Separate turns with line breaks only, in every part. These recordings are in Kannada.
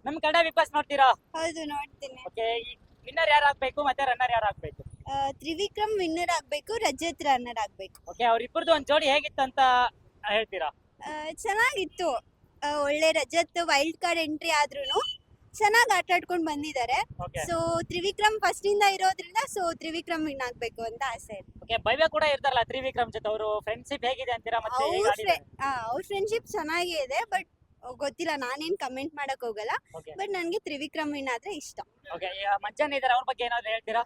ನಮ್ ಕನ್ನಡ ಬಿಗ್ ಬಾಸ್ ನೋಡ್ತೀರಾ?
ಹೌದು ನೋಡ್ತೀನಿ.
ಓಕೆ, ವಿನ್ನರ್ ಯಾರು ಆಗ್ಬೇಕು ಮತ್ತೆ ರನ್ನರ್ ಯಾರು ಆಗ್ಬೇಕು?
ತ್ರಿವಿಕ್ರಮ್ ವಿನ್ನರ್ ಆಗ್ಬೇಕು, ರಜತ್ ರನ್ನರ್ ಆಗ್ಬೇಕು.
ಓಕೆ, ಅವ್ರಿಬ್ಬರದು ಒಂದ್ ಜೋಡಿ ಹೇಗಿತ್ತು ಅಂತ ಹೇಳ್ತೀರಾ?
ಚೆನ್ನಾಗಿತ್ತು. ಒಳ್ಳೆ ರಜತ್ ವೈಲ್ಡ್ ಕಾರ್ಡ್ ಎಂಟ್ರಿ ಆದ್ರೂನು ಚೆನ್ನಾಗಿ ಆಟ ಆಡ್ಕೊಂಡು ಬಂದಿದ್ದಾರೆ.
ಓಕೆ
ಸೊ ತ್ರಿವಿಕ್ರಮ್ ಫಸ್ಟ್ ಇಂದ ಇರೋದ್ರಿಂದ ತ್ರಿವಿಕ್ರಮ್ ವಿನ್ ಆಗ್ಬೇಕು ಅಂತ ಆಸೆ ಇದೆ.
ಓಕೆ, ಭವ್ಯ ಕೂಡ ಇರ್ತಾರಲ್ಲ ತ್ರಿವಿಕ್ರಮ್ ಜೊತೆ, ಅವರು ಫ್ರೆಂಡ್ಶಿಪ್ ಹೇಗಿದೆ ಅಂತೀರಾ? ಮತ್ತೆ ಹೇಗೆ ಆಡಿದ್ದಾರೆ?
ಅವ್ರ ಫ್ರೆಂಡ್ಶಿಪ್ ಚೆನ್ನಾಗೇ ಇದೆ, ಬಟ್ ಗೊತ್ತಿಲ್ಲ, ನಾನೇನ್ ಕಮೆಂಟ್ ಮಾಡಕ್ ಹೋಗಲ್ಲ.
ಓಕೆ
ಬಟ್ ನನ್ಗೆ ತ್ರಿವಿಕ್ರಮ್ ವಿನ್ ಆದ್ರೆ ಇಷ್ಟ.
ಓಕೆ, ಮಂಜನ್ ಇದಾರೆ, ಅವ್ರ ಬಗ್ಗೆ ಏನಾದ್ರು ಹೇಳ್ತೀರಾ?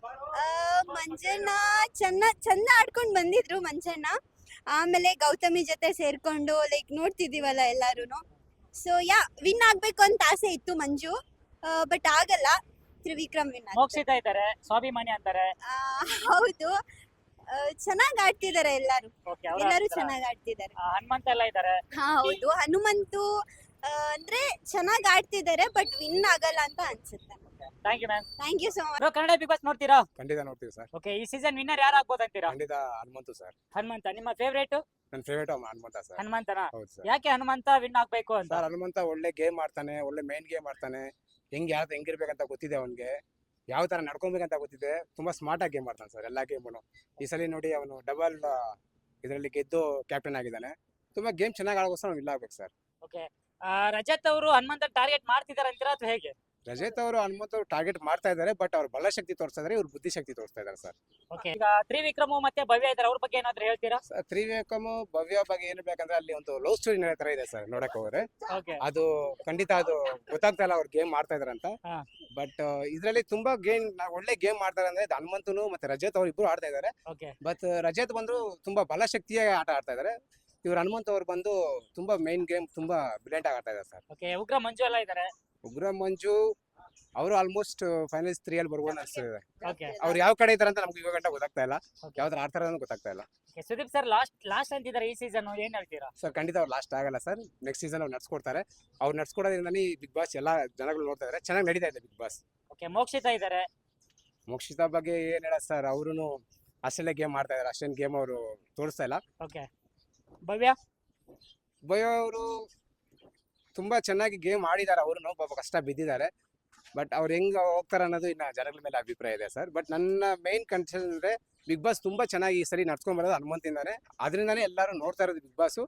ಮಂಜಣ್ಣ ಚಂದ ಆಡ್ಕೊಂಡ್ ಬಂದಿದ್ರು ಮಂಜಣ್ಣ. ಆಮೇಲೆ ಗೌತಮಿ ಜೊತೆ ಸೇರ್ಕೊಂಡು ಲೈಕ್ ನೋಡ್ತಿದೀವಲ್ಲ ಎಲ್ಲಾರುನು. ಸೊ ವಿನ್ ಆಗ್ಬೇಕು ಅಂತ ಆಸೆ ಇತ್ತು ಮಂಜು, ಬಟ್ ಆಗಲ್ಲ. ತ್ರಿವಿಕ್ರಮ್ ವಿನ್
ಮೋಕ್ಷಿತಾ ಇದ್ದಾರೆ, ಸ್ವಾಭಿಮಾನಿ ಅಂತಾರೆ.
ಹೌದು, ಚೆನ್ನಾಗ್ ಆಡ್ತಿದ್ದಾರೆ ಎಲ್ಲಾರು.
ಓಕೆ,
ಎಲ್ಲರೂ ಚೆನ್ನಾಗ್ ಆಡ್ತಿದ್ದಾರೆ.
ಹನುಮಂತ ಎಲ್ಲ ಇದ್ದಾರೆ.
ಹೌದು, ಹನುಮಂತು ಅಂದ್ರೆ ಚೆನ್ನಾಗ್ ಆಡ್ತಿದ್ದಾರೆ, ಬಟ್ ವಿನ್ ಆಗಲ್ಲ ಅಂತ ಅನ್ಸುತ್ತೆ.
Thank you ma'am.
Thank you so much.
Kannada big boss ನೋಡ್ತೀರಾ?
ಖಂಡಿತ ನೋಡ್ತೀವಿ ಸರ್.
ಓಕೆ, ಈ ಸೀಸನ್ ವಿನ್ನರ್ ಯಾರು ಆಗ್ಬೋದು ಅಂತೀರಾ?
ಖಂಡಿತ ಹನುಮಂತು ಸರ್.
ಹನುಮಂತ ನಿಮ್ಮ ಫೇವರೇಟ್?
ನನ್ನ ಫೇವರೇಟ್ ಹನುಮಂತ ಸರ್.
ಹನುಮಂತನ?
ಹೌದು ಸರ್.
ಯಾಕೆ ಹನುಮಂತ ವಿನ್ ಆಗ್ಬೇಕು ಅಂತ?
ಸರ್ ಹನುಮಂತ ಒಳ್ಳೆ ಗೇಮ್ ಆಡ್ತಾನೆ, ಒಳ್ಳೆ ಮೈನ್ ಗೇಮ್ ಆಡ್ತಾನೆ. ಹೆಂಗಿರ್ಬೇಕಂತ ಗೊತ್ತಿದೆ ಅವನಿಗೆ, ಯಾವ ತರ ನಡ್ಕೊಬೇಕಂತ ಗೊತ್ತಿದೆ. ತುಂಬಾ ಸ್ಮಾರ್ಟ್ ಆಗಿ ಗೇಮ್ ಆಡ್ತಾನೆ ಸರ್, ಎಲ್ಲಾ ಗೇಮ್ನು. ಈ ಸಲ ನೋಡಿ ಅವನು ಡಬಲ್ ಇದರಲ್ಲಿ ಗೆದ್ದು ಕ್ಯಾಪ್ಟನ್ ಆಗಿದ್ದಾನೆ. ತುಂಬಾ ಗೇಮ್ ಚೆನ್ನಾಗಿ ಆಡೋಗೋಸ್ಕರ ಅವ್ನು ಇಲ್ಲ ಆಗ್ಬೇಕು ಸರ್.
ಓಕೆ, ರಜತ್ ಅವರು ಹನುಮಂತ ಟಾರ್ಗೆಟ್ ಮಾಡ್ತಿದಾರೆ ಅಂತೀರಾ ಅಥವಾ ಹೇಗೆ?
ರಜತ್ ಅವರು ಹನುಮಂತ ಟಾರ್ಗೆಟ್ ಮಾಡ್ತಾ ಇದ್ದಾರೆ, ಬಟ್ ಅವ್ರು ಬಲಶಕ್ತಿ ತೋರಿಸ್ತಾ ಇದಾರೆ, ಇವ್ರು ಬುದ್ಧಿಶಕ್ತಿ ತೋರಿಸ್ತಾ ಇದ್ದಾರೆ ಸರ್.
ಓಕೆ, ಈಗ ತ್ರಿವಿಕ್ರಮ್ ಮತ್ತೆ ಭವ್ಯ ಇದಾರೆ, ಅವ್ರ ಬಗ್ಗೆ ಏನಾದ್ರು ಹೇಳ್ತೀರಾ?
ತ್ರಿವಿಕ್ರಮ್ ಭವ್ಯ ಬಗ್ಗೆ ಏನು ಬೇಕಂದ್ರೆ ಅಲ್ಲಿ ಒಂದು ಲವ್ ಸ್ಟೋರಿ ನಡೆಯೋ ತರ ಇದೆ ಸರ್. ನೋಡಕ್ ಹೋದ್ರೆ
ಓಕೆ
ಅದು ಖಂಡಿತ ಅದು ಗೊತ್ತಾಗ್ತಾ ಇಲ್ಲ ಅವ್ರು ಗೇಮ್ ಮಾಡ್ತಾ ಇದಾರೆ ಅಂತ.
ಹಾ.
ಬಟ್ ಇದ್ರಲ್ಲಿ ತುಂಬಾ ಒಳ್ಳೆ ಗೇಮ್ ಮಾಡ್ತಾರೆ ಅಂದ್ರೆ ಹನುಮಂತನು ಮತ್ತೆ ರಜತ್ ಅವ್ರು ಇಬ್ರು ಆಡ್ತಾ ಇದಾರೆ.
ಓಕೆ
ಬಟ್ ರಜತ್ ಬಂದ್ರು ತುಂಬಾ ಬಲಶಕ್ತಿಯ ಆಟ ಆಡ್ತಾ ಇದಾರೆ. ಇವ್ರು ಹನುಮಂತ ಅವ್ರು ಬಂದು ತುಂಬಾ ಮೈನ್ ಗೇಮ್ ತುಂಬಾ ಬ್ರಿಲಿಯಂಟ್ ಆಗಿ ಆಡ್ತಾ ಇದಾರೆ ಸರ್.
ಓಕೆ, ಉಗ್ರ ಮಂಜು ಎಲ್ಲ ಇದಾರೆ.
ಉಗ್ರ ಮಂಜು ಅವರು ಆಲ್ಮೋಸ್ಟ್ ಫೈನಲ್ಸ್ 3 ಅಲ್ಲಿ ಬರ್ಬೋದು ಅನ್ಸ್ತಿದೆ.
ಓಕೆ
ಅವ್ರು ಯಾವ ಕಡೆ ಇದಾರೆ ಅಂತ ನಮ್ಗೆ ಇವಾಗ ಗಂಟ ಗೊತ್ತಾಗ್ತಾ ಇಲ್ಲ,
Okay.
ಯಾವ ತರ ಆಡ್ತಾರೆ ಅಂತ ಗೊತ್ತಾಗ್ತಾ ಇಲ್ಲ
ಸುದೀಪ್ ಸರ್ ಲಾಸ್ಟ್ ಅಂತಿದ್ದಾರೆ ಈ ಸೀಸನ್, ಏನ್ ಹೇಳ್ತೀರಾ?
ಸರ್. ಖಂಡಿತ ಅವ್ರು ಲಾಸ್ಟ್ ಆಗಲ್ಲ ಸರ್. ನೆಕ್ಸ್ಟ್ ಸೀಸನ್ ಅವ್ರು ನಡ್ಸ್ಕೊಡ್ತಾರೆ. ಅವ್ರು ನಡ್ಸ್ಕೊಡೋದ್ರಿಂದನೇ ಈ ಬಿಗ್ ಬಾಸ್ ಎಲ್ಲಾ ಜನಗಳು ನೋಡ್ತಾ ಇದಾರೆ. ಚೆನ್ನಾಗಿ ನಡೀತಾ ಇದೆ ಬಿಗ್ ಬಾಸ್.
ಓಕೆ, ಮೋಕ್ಷಿತಾ ಇದಾರೆ.
ಮೋಕ್ಷಿತಾ ಬಗ್ಗೆ ಏನ್ ಹೇಳ ಸರ್, ಅವ್ರು ಅಷ್ಟೆಲ್ಲ ಗೇಮ್ ಮಾಡ್ತಾ ಇದಾರೆ, ಅಷ್ಟೇನ್ ಗೇಮ್ ಅವರು ತೋರಿಸ್ತಾ ಇಲ್ಲ.
ಓಕೆ, ಭವ್ಯ?
ಭಯ ಅವರು ತುಂಬಾ ಚೆನ್ನಾಗಿ ಗೇಮ್ ಆಡಿದ್ದಾರೆ, ಅವ್ರು ಪಾಪ ಕಷ್ಟ ಬಿದ್ದಿದ್ದಾರೆ. ಬಟ್ ಅವ್ರು ಹೆಂಗ್ ಹೋಗ್ತಾರೆ ಅನ್ನೋದು ಇನ್ನ ಜನಗಳ ಮೇಲೆ ಅಭಿಪ್ರಾಯ ಇದೆ ಸರ್. ಬಟ್ ನನ್ನ ಮೈನ್ ಕನ್ಸರ್ನ್ ಅಂದ್ರೆ ಬಿಗ್ ಬಾಸ್ ತುಂಬಾ ಚೆನ್ನಾಗಿ ಈ ಸರಿ ನಡ್ಸ್ಕೊಂಡ್ ಬರೋದು ಹನುಮಂತಿಂದಾನೆ. ಅದರಿಂದಾನೇ ಎಲ್ಲರೂ ನೋಡ್ತಾ ಇರೋದು ಬಿಗ್ ಬಾಸ್.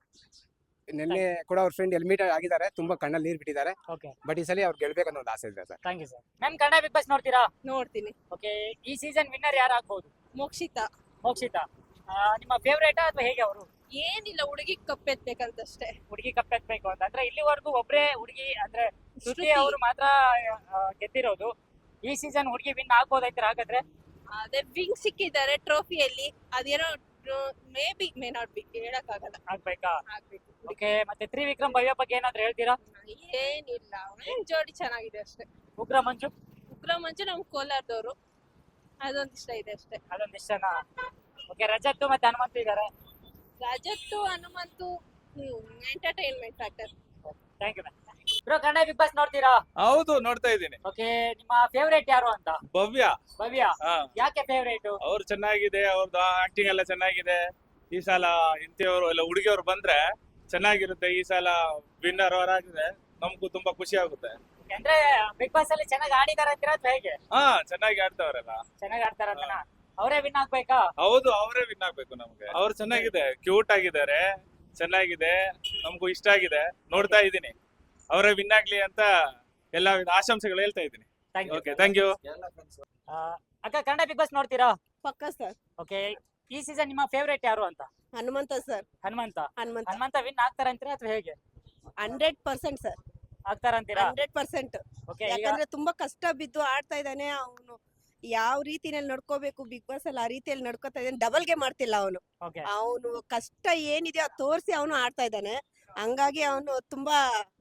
ನಿನ್ನೆ ಕೂಡ ಅವ್ರ ಫ್ರೆಂಡ್ ಎಲ್ಮಿಟ್ ಆಗಿದ್ದಾರೆ, ತುಂಬಾ ಕಣ್ಣಲ್ಲಿ ನೀರ್ ಬಿಟ್ಟಿದ್ದಾರೆ.
ಓಕೆ,
ಬಟ್ ಈ ಸಲ ಅವ್ರು ಗೆಲ್ಬೇಕನ್ನೋ ಒಂದು ಆಸೆ ಇದೆ sir.
Thank you sir. Ma'am, Kannada big boss ನೋಡ್ತೀರಾ?
ನೋಡ್ತೀನಿ.
ಓಕೆ, ಈ ಸೀಸನ್ ವಿನ್ನರ್ ಯಾರು ಆಗ್ಬೋದು?
ಮೋಕ್ಷಿತಾ.
ಮೋಕ್ಷಿತಾ ನಿಮ್ಮ ಫೇವರೇಟಾ ಅಥವಾ ಹೇಗೆ? ಅವರು
ಏನಿಲ್ಲ, ಹುಡುಗಿ ಕಪ್ಪೆತ್ಬೇಕಂತಷ್ಟೇ.
ಹುಡುಗಿ ಕಪ್ಪೆತ್ಬೇಕು ಅಂತ ಅಂದ್ರೆ ಇಲ್ಲಿವರೆಗೂ ಒಬ್ರೇ ಹುಡುಗಿ ಅಂದ್ರೆ ಶ್ರುತಿ ಅವರು ಮಾತ್ರ ಗೆದ್ದಿರೋದು. ಈ ಸೀಸನ್ ಹುಡುಗಿ ವಿನ್ ಆಗ್ಬೋದಾಯ್ತಾರೆ ಹಾಗಾದ್ರೆ?
ಅದೇ ವಿಂಗ್ ಸಿಕ್ಕಿದ್ದಾರೆ ಟ್ರೋಫಿಯಲ್ಲಿ, ಅದೇನೋ may be may not be ಹೇಳಕ್ಕಾಗಲ್ಲ.
ಆಗ್ಬೇಕಾ?
ಆಗ್ಬೇಕು.
ಓಕೆ, ಮತ್ತೆ ತ್ರಿವಿಕ್ರಮ್ ಭವ್ಯ ಬಗ್ಗೆ ಏನಾದ್ರು ಹೇಳ್ತೀರಾ?
ಏನಿಲ್ಲ, ಜೋಡಿ ಚೆನ್ನಾಗಿದೆ ಅಷ್ಟೇ.
ಉಗ್ರ ಮಂಜು?
ಉಗ್ರ ಮಂಜು ನಮ್ ಕೋಲಾರದವರು, ಅದೊಂದು ಇಷ್ಟ ಇದೆ ಅಷ್ಟೇ.
ಅದೊಂದು ಇಷ್ಟನಾ? ಓಕೆ, ರಜತ್ ಮತ್ತೆ ಹನುಮಂತ ಇದಾರೆ.
Rajat Hanumanthu entertainment factor.
Thank you ma'am. Bro, Kannada big boss ನೋಡ್ತೀರಾ?
ಹೌದು, ನೋಡ್ತಾ ಇದ್ದೀನಿ.
ಓಕೆ, ನಿಮ್ಮ ಫೇವರೇಟ್ ಯಾರು ಅಂತ?
ಭವ್ಯ.
ಭವ್ಯ
ಹಾ,
ಯಾಕೆ ಫೇವರೇಟ್?
ಅವ್ರು ಚೆನ್ನಾಗಿದೆ, ಅವ್ರದ್ದು ಆಕ್ಟಿಂಗ್ ಎಲ್ಲ ಚೆನ್ನಾಗಿದೆ. ಈ ಸಲ ಇಂಥವ್ರು ಎಲ್ಲ ಹುಡುಗಿಯವ್ರು ಬಂದ್ರೆ ಚೆನ್ನಾಗಿರುತ್ತೆ. ಈ ಸಲ ವಿನ್ನರ್ ಅವರಾಗಿದೆ, ನಮಗೂ ತುಂಬಾ ಖುಷಿ ಆಗುತ್ತೆ.
ಅಂದ್ರೆ ಬಿಗ್ ಬಾಸ್ ಅಲ್ಲಿ ಚೆನ್ನಾಗಿ ಆಡಿದಾರೆ ಅಂತೀರಾ ಅಥವಾ ಹೇಗೆ?
ಹಾ, ಚೆನ್ನಾಗಿ ಆಡ್ತವ್ರಲ್ಲ.
ಚೆನ್ನಾಗಿ ಆಡ್ತಾರಂತನಾ? ಅವರೇ ವಿನ್ ಆಗ್ಬೇಕಾ?
ಹೌದು, ಅವರೇ ವಿನ್ ಆಗ್ಬೇಕು ನಮ್ಗೆ. ಅವ್ರು ಚೆನ್ನಾಗಿದೆ, ಕ್ಯೂಟ್ ಆಗಿದ್ದಾರೆ, ಚೆನ್ನಾಗಿದೆ, ನಮಗೂ ಇಷ್ಟ ಆಗಿದೆ. ನೋಡ್ತಾ ಇದ್ದೀನಿ, ಅವರೇ ವಿನ್ ಆಗ್ಲಿ ಅಂತ ಎಲ್ಲ ಆಶಂಸೆಗಳು ಹೇಳ್ತಾ ಇದ್ದೀನಿ.
Thank you.
Okay, thank you.
ಅಕ್ಕ, ಕನ್ನಡ ಬಿಗ್ ಬಾಸ್ ನೋಡ್ತೀರಾ?
ಪಕ್ಕ ಸರ್.
ಓಕೆ, ಈ ಸೀಸನ್ ನಿಮ್ಮ ಫೇವರೇಟ್ ಯಾರು ಅಂತ?
ಹನುಮಂತ ಸರ್.
ಹನುಮಂತ.
ಹನುಮಂತ
ಹನುಮಂತ ವಿನ್ ಆಗ್ತಾರಂತೀರಾ ಅಥವಾ ಹೇಗೆ?
100% ಸರ್.
ಆಗ್ತಾರಂತೀರಾ?
100%.
ಓಕೆ, ಈಗ
ಯಾಕಂದ್ರೆ ತುಂಬಾ ಕಷ್ಟ ಬಿದ್ದು ಆಡ್ತಾ ಇದ್ದಾನೆ ಅವನು. ಯಾವ ರೀತಿನಲ್ಲಿ ನಡ್ಕೋಬೇಕು ಬಿಗ್ ಬಾಸ್ ಅಲ್ಲಿ ಆ ರೀತಿಯಲ್ಲಿ ನಡ್ಕೋತಾ ಇದ್ದಾನೆ. ಡಬಲ್ ಗೇಮ್ ಮಾಡ್ತಿಲ್ಲ ಅವನು.
ಓಕೆ,
ಅವನು ಕಷ್ಟ ಏನಿದೆ ಅದು ತೋರಿಸಿ ಅವನು ಆಡ್ತಾ ಇದ್ದಾನೆ. ಹಂಗಾಗಿ ಅವನು ತುಂಬಾ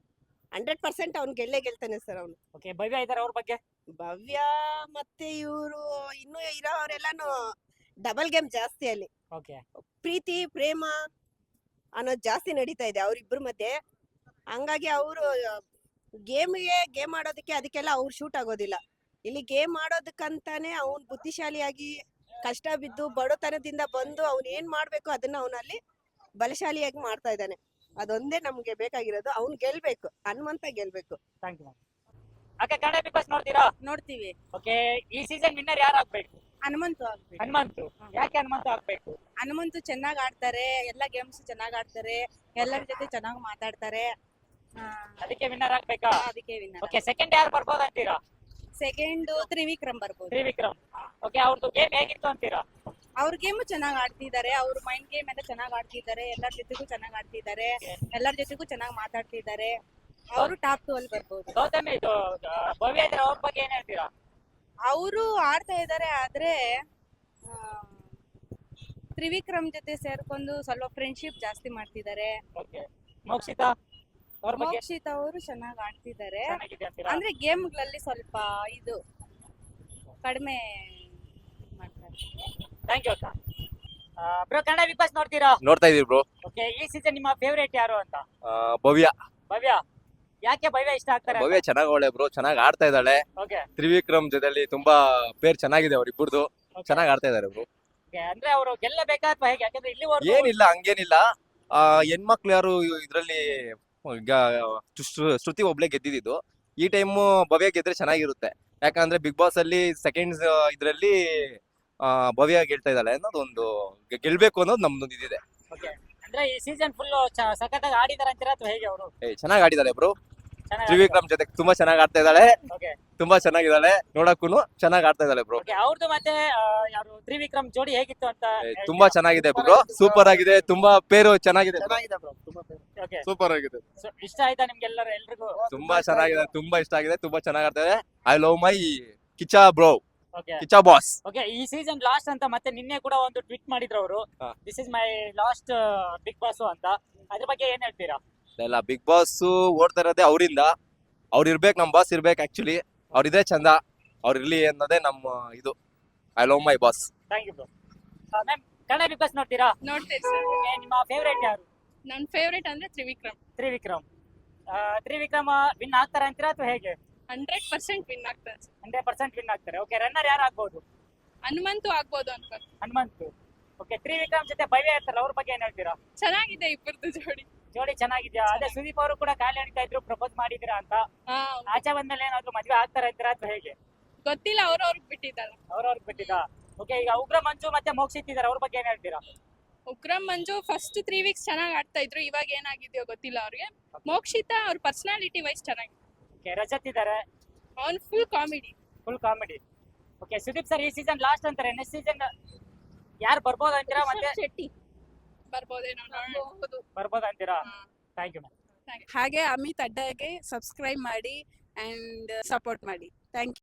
100% ಅವ್ನು ಗೆಲ್ತಾನೆ ಸರ್ ಅವನು.
ಓಕೆ, ಭವ್ಯ ಇದಾರೆ, ಅವ್ರ ಬಗ್ಗೆ?
ಭವ್ಯ ಮತ್ತೆ ಇವರು ಇನ್ನು ಇರೋರೆಲ್ಲಾನು ಡಬಲ್ ಗೇಮ್ ಜಾಸ್ತಿ ಅಲ್ಲಿ.
ಓಕೆ,
ಪ್ರೀತಿ ಪ್ರೇಮ ಅನ್ನೋದು ಜಾಸ್ತಿ ನಡೀತಾ ಇದೆ ಅವ್ರಿಬ್ರ ಮಧ್ಯೆ. ಹಂಗಾಗಿ ಅವರು ಗೇಮ್ ಆಡೋದಕ್ಕೆ ಅದಕ್ಕೆಲ್ಲ ಅವ್ರು ಶೂಟ್ ಆಗೋದಿಲ್ಲ. ಇಲ್ಲಿ ಗೇಮ್ ಆಡೋದಕ್ಕಂತಾನೆ ಅವ್ನು ಬುದ್ಧಿಶಾಲಿಯಾಗಿ ಕಷ್ಟ ಬಿದ್ದು ಬಡತನದಿಂದ ಬಂದು ಅವ್ನು ಏನ್ ಮಾಡ್ಬೇಕು ಅದನ್ನ ಅವನಲ್ಲಿ ಬಲಶಾಲಿಯಾಗಿ ಮಾಡ್ತಾ ಇದ್ದಾನೆ. ಅದೊಂದೇ ನಮ್ಗೆ ಬೇಕಾಗಿರೋದು. ಅವ್ನು ಗೆಲ್ಬೇಕು, ಹನುಮಂತ ಗೆಲ್ಬೇಕು.
Thank you ma'am. ಅಕ್ಕ ಕನ್ನಡ ಬಿಗ್ ಬಾಸ್ ನೋಡ್ತೀರಾ?
ನೋಡ್ತೀವಿ.
ಓಕೆ, ಈ ಸೀಸನ್ ವಿನ್ನರ್ ಯಾರು ಆಗ್ಬೇಕು?
ಹನುಮಂತು ಆಗ್ಬೇಕು.
ಹನುಮಂತು. ಯಾಕೆ ಹನುಮಂತು ಆಗ್ಬೇಕು?
ಹನುಮಂತು ಚೆನ್ನಾಗ್ ಆಡ್ತಾರೆ, ಎಲ್ಲ ಗೇಮ್ಸ್ ಚೆನ್ನಾಗ್ ಆಡ್ತಾರೆ, ಎಲ್ಲರ ಜೊತೆ ಚೆನ್ನಾಗ್ ಮಾತಾಡ್ತಾರೆ.
ಅದಕ್ಕೆ ವಿನ್ನರ್ ಆಗ್ಬೇಕಾ?
ಅದಕ್ಕೆ ವಿನ್ನರ್.
ಓಕೆ, ಸೆಕೆಂಡ್ ಯಾರು ಬರ್ಬೋದು ಅಂತೀರಾ?
ಸೆಕೆಂಡ್ ತ್ರಿವಿಕ್ರಮ್ ಬರ್ಬೋದು.
ತ್ರಿವಿಕ್ರಮ್. ಓಕೆ, ಅವ್ರದ್ದು ಗೇಮ್ ಹೇಗಿತ್ತು ಅಂತೀರಾ?
ಅವ್ರ ಗೇಮು ಚೆನ್ನಾಗ್ ಆಡ್ತಿದ್ದಾರೆ, ಅವ್ರ ಮೈಂಡ್ ಗೇಮ್ ಎಲ್ಲ ಚೆನ್ನಾಗ್ ಆಡ್ತಿದ್ದಾರೆ, ಎಲ್ಲರ ಜೊತೆಗೂ ಚೆನ್ನಾಗ್ ಆಡ್ತಿದ್ದಾರೆ, ಎಲ್ಲರ ಜೊತೆಗೂ ಚೆನ್ನಾಗ್ ಮಾತಾಡ್ತಿದ್ದಾರೆ. ಅವರು ಟಾಪ್ 2 ಅಲ್ಲಿ ಬರ್ಬೋದು.
ಗೌತಮಿ ಇದು ಭವ್ಯ ಇದ್ರೆ ಅವ್ರ ಬಗ್ಗೆ ಏನ್ ಹೇಳ್ತೀರಾ?
ಅವರು ಆಡ್ತಾ ಇದ್ದಾರೆ, ಆದ್ರೆ ತ್ರಿವಿಕ್ರಮ್ ಜೊತೆ ಸೇರ್ಕೊಂಡು ಸ್ವಲ್ಪ ಫ್ರೆಂಡ್ಶಿಪ್ ಜಾಸ್ತಿ ಮಾಡ್ತಿದ್ದಾರೆ.
ಓಕೆ, ಮೋಕ್ಷಿತಾ ಅವ್ರ ಬಗ್ಗೆ
ಮೋಕ್ಷಿತ್ ಅವರು ಚೆನ್ನಾಗ್ ಆಡ್ತಿದ್ದಾರೆ,
ಚೆನ್ನಾಗಿದೆ ಅಂತೀರಾ?
ಅಂದ್ರೆ ಗೇಮ್ಗಳಲ್ಲಿ ಸ್ವಲ್ಪ ಇದು ಕಡಿಮೆ ಮಾಡ್ತಾರೆ.
ಥ್ಯಾಂಕ್ ಯು ಅಕ್ಕ. ಬ್ರೋ, ಕನ್ನಡ ಬಿಗ್ ಬಾಸ್ ನೋಡ್ತೀರಾ?
ನೋಡ್ತಾ ಇದೀವಿ ಬ್ರೋ.
ಓಕೆ, ಈ ಸೀಸನ್ ನಿಮ್ಮ ಫೇವರೇಟ್ ಯಾರು ಅಂತ?
ಭವ್ಯ
ಭವ್ಯ. ಯಾಕೆ ಭವ್ಯ ಇಷ್ಟ ಆಗ್ತಾರೆ?
ಭವ್ಯ ಚೆನ್ನಾಗ್ ಒಳ್ಳೆ ಬ್ರೋ, ಚೆನ್ನಾಗ್ ಆಡ್ತಾ ಇದ್ದಾಳೆ.
ಓಕೆ,
ತ್ರಿವಿಕ್ರಮ್ ಜೊತೆಲಿ ತುಂಬಾ ಪೇರ್ ಚೆನ್ನಾಗಿದೆ ಅವ್ರಿಬ್ಬರದು, ಚೆನ್ನಾಗ್ ಆಡ್ತಾ ಇದಾರೆ ಬ್ರೋ.
ಅಂದ್ರೆ ಅವರು ಗೆಲ್ಲಬೇಕಾ ಅಥವಾ ಹೇಗೆ? ಯಾಕಂದ್ರೆ ಇಲ್ಲಿವರೆಗೂ
ಏನಿಲ್ಲ, ಹಂಗೇನಿಲ್ಲ. ಹೆಣ್ಮಕ್ಳು ಯಾರು ಇದ್ರಲ್ಲಿ ಈಗ ಶ್ರುತಿ ಒಬ್ಳೆ ಗೆದ್ದಿದ್ದು. ಈ ಟೈಮ್ ಭವ್ಯ ಗೆದ್ರೆ ಚೆನ್ನಾಗಿರುತ್ತೆ, ಯಾಕಂದ್ರೆ ಬಿಗ್ ಬಾಸ್ ಅಲ್ಲಿ ಸೆಕೆಂಡ್ಸ್ ಇದ್ರಲ್ಲಿ ಭವ್ಯ ಗೆಲ್ತಾ ಇದ್ದಾಳೆ ಅನ್ನೋದು ಒಂದು ಗೆಲ್ಬೇಕು ಅನ್ನೋದು ನಮ್ದೊಂದು ಇದಿದೆ.
ಓಕೆ, ಅಂದ್ರೆ ಈ ಸೀಸನ್ ಫುಲ್ ಸಖತ್ತಾಗಿ ಆಡಿದಾರೆ ಅಂತೀರಾ ಅಥವಾ ಹೇಗೆ? ಅವರು
ಚೆನ್ನಾಗ್ ಆಡಿದ್ದಾರೆ ಬ್ರೋ. ತ್ರಿವಿಕ್ರಮ್ ಜೊತೆ ತುಂಬಾ ಚೆನ್ನಾಗ್ ಆಡ್ತಾ ಇದ್ದಾಳೆ,
ಓಕೆ,
ತುಂಬಾ ಚೆನ್ನಾಗಿದ್ದಾಳೆ, ನೋಡಕ್ಕೂ ಚೆನ್ನಾಗ್ ಆಡ್ತಾ ಇದ್ದಾಳೆ ಬ್ರೋ.
ಓಕೆ, ಅವ್ರದ್ದು ಮತ್ತೆ ಯಾರು ತ್ರಿವಿಕ್ರಮ್ ಜೋಡಿ ಹೇಗಿತ್ತು ಅಂತ
ತುಂಬಾ ಚೆನ್ನಾಗಿದೆ ಬ್ರೋ, ಸೂಪರ್ ಆಗಿದೆ, ತುಂಬಾ ಪೇರು ಚೆನ್ನಾಗಿದೆ,
ಓಕೆ,
ಸೂಪರ್ ಆಗಿದೆ,
ಇಷ್ಟ ಆಯ್ತಾ ನಿಮ್ಗೆಲ್ಲರೂ ಎಲ್ರಿಗೂ?
ತುಂಬಾ ಚೆನ್ನಾಗಿದೆ, ತುಂಬಾ ಇಷ್ಟ ಆಗಿದೆ, ತುಂಬಾ ಚೆನ್ನಾಗ್ ಆಡ್ತಾರೆ. I love my Kiccha bro,
okay,
Kiccha boss.
Okay, ಈ ಸೀಸನ್ ಲಾಸ್ಟ್ ಅಂತ ಮತ್ತೆ ನಿನ್ನೆ ಕೂಡ ಒಂದು ಟ್ವೀಟ್ ಮಾಡಿದ್ರು ಅವರು,
ಹಾ.
This is my last big boss ಅಂತ. ಅದ್ರ ಬಗ್ಗೆ ಏನ್ ಹೇಳ್ತೀರಾ?
ಇಲ್ಲ, ಬಿಗ್ ಬಾಸ್ ಓಡ್ತಾ ಇರೋದೇ ಅವರಿಂದ. ಅವ್ರು ಇರ್ಬೇಕು, ನಮ್ ಬಾಸ್ ಇರ್ಬೇಕು. ಆಕ್ಚುಲಿ ಅವ್ರಿದ್ರೆ ಚಂದ, ಅವ್ರು ಇರ್ಲಿ ಅನ್ನೋದೇ ನಮ್ಮ ಇದು. I love my boss.
Thank you bro. Ma'am, Kannada big boss ನೋಡ್ತೀರಾ?
ನೋಡ್ತೇವೆ ಸರ್.
Okay, ನಿಮ್ಮ ಫೇವರೇಟ್ ಯಾರು?
ನನ್ನ ಫೇವ್ರೇಟ್ ಅಂದ್ರೆ ತ್ರಿವಿಕ್ರಮ್.
ತ್ರಿವಿಕ್ರಮ್. ತ್ರಿವಿಕ್ರಮ್ ವಿನ್ ಆಗ್ತಾರೆ ಅಂತೀರಾ ಅಥವಾ ಹೇಗೆ?
100% ವಿನ್ ಆಗ್ತಾರೆ ಸರ್.
100% ವಿನ್ ಆಗ್ತಾರೆ. ಓಕೆ, ರನ್ನರ್ ಯಾರು ಆಗ್ಬೋದು?
ಹನುಮಂತು ಆಗ್ಬೋದು ಅನ್ಕೊಂಡು.
ಹನುಮಂತು. ಓಕೆ, ತ್ರಿವಿಕ್ರಮ್ ಜೊತೆ ಭವ್ಯ ಇರ್ತಾರಲ್ಲ, ಅವ್ರ ಬಗ್ಗೆ ಏನ್ ಹೇಳ್ತೀರಾ?
ಚೆನ್ನಾಗಿದೆ ಇಬ್ಬರದು ಜೋಡಿ.
ಜೋಡಿ ಚೆನ್ನಾಗಿದ್ಯಾ? ಅದೇ ಸುದೀಪ್ ಅವರು ಕೂಡ ಖಾಲಿ ಅಣಿತಾ ಇದ್ರು, ಪ್ರಪೋಸ್ ಮಾಡಿದಿರಾ ಅಂತ.
ಹಾ,
ಆಚೆ ಬಂದ್ಮೇಲೆ ಏನಾದ್ರು ಮದ್ವೆ ಆಗ್ತಾರ ಅಂತೀರಾ ಅಥವಾ ಹೇಗೆ?
ಗೊತ್ತಿಲ್ಲ, ಅವ್ರವ್ರಿಗೆ ಬಿಟ್ಟಿದ್ದಾರೆ.
ಅವ್ರವ್ರಿಗೆ ಬಿಟ್ಟಿದ್ದಾ? ಓಕೆ, ಈಗ ಉಗ್ರ ಮಂಜು ಮತ್ತೆ ಮೋಕ್ಷಿತ್ ಇದಾರೆ, ಅವ್ರ ಬಗ್ಗೆ ಏನ್ ಹೇಳ್ತೀರಾ?
ಉಗ್ರಂ ಮಂಜು ಫಸ್ಟ್ 3 ವೀಕ್ಸ್ ಚೆನ್ನಾಗಿ ಆಡ್ತಾ ಇದ್ರು, ಇವಾಗ ಏನಾಗಿದೆಯೋ ಗೊತ್ತಿಲ್ಲ ಅವ್ರಿಗೆ. ಮೋಕ್ಷಿತಾ ಅವ್ರ ಪರ್ಸನಾಲಿಟಿ ವೈಸ್ ಚೆನ್ನಾಗಿದೆ.
ಓಕೆ, ರಜತ್ ಇದಾರೆ,
ಅವ್ನ್ full comedy.
Full comedy. Okay, Sudeep sir ಈ ಸೀಸನ್ ಲಾಸ್ಟ್ ಅಂತಾರೆ, ನೆಕ್ಸ್ಟ್ ಸೀಸನ್ ಯಾರು ಬರ್ಬೋದು ಅಂತೀರಾ? ಮತ್ತೆ
ಶೆಟ್ಟಿ ಬರ್ಬೋದೇನೋ, ನೋಡ್ಬೋದು.
ಬರ್ಬೋದು ಅಂತೀರಾ? Thank you ma'am.
ಹಾಗೆ ಅಮಿತ್ ಅಡ್ಡಾಗೆ ಸಬ್ಸ್ಕ್ರೈಬ್ ಮಾಡಿ ಅಂಡ್ ಸಪೋರ್ಟ್ ಮಾಡಿ. Thank you.